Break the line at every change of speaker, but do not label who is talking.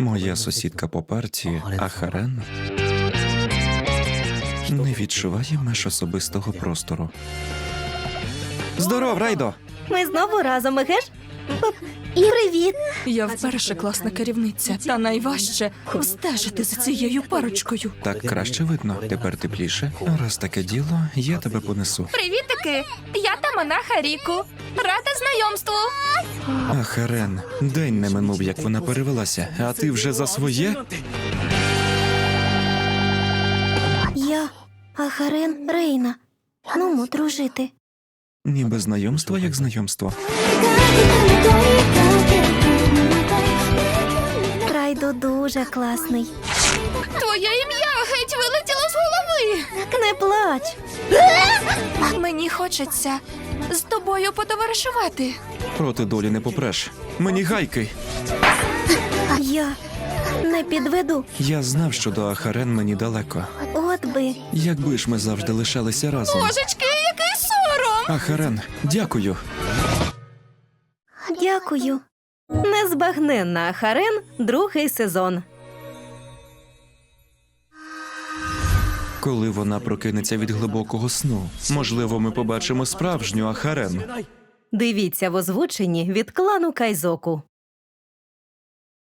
Моя сусідка по парті, Ахарен, не відчуває меж особистого простору. Здоров, Райдо!
Ми знову разом, Егеш? Привіт!
Я вперше класна керівниця, та найважче стежити за цією парочкою.
Так краще видно, тепер тепліше. Раз таке діло, я тебе понесу.
Привітики! Я Тамана Харіку. Рада знайомству.
Ахарен, день не минув, як вона перевелася, а ти вже за своє?
Я Ахарен Рейна. Нумо дружити.
Ніби знайомство, як знайомство.
Райдо дуже класний.
Твоє ім'я геть вилетіло з голови.
Не плач.
Мені хочеться з тобою потоваришувати.
Проти долі не попреш. Мені гайки.
Я не підведу.
Я знав, що до Ахарен мені далеко.
От би.
Якби ж ми завжди лишалися разом.
Божечки, який сором!
Ахарен, дякую.
Дякую. Незбагненна Ахарен, другий сезон.
Коли вона прокинеться від глибокого сну, можливо, ми побачимо справжню Ахарен.
Дивіться в озвученні від клану Кайзоку.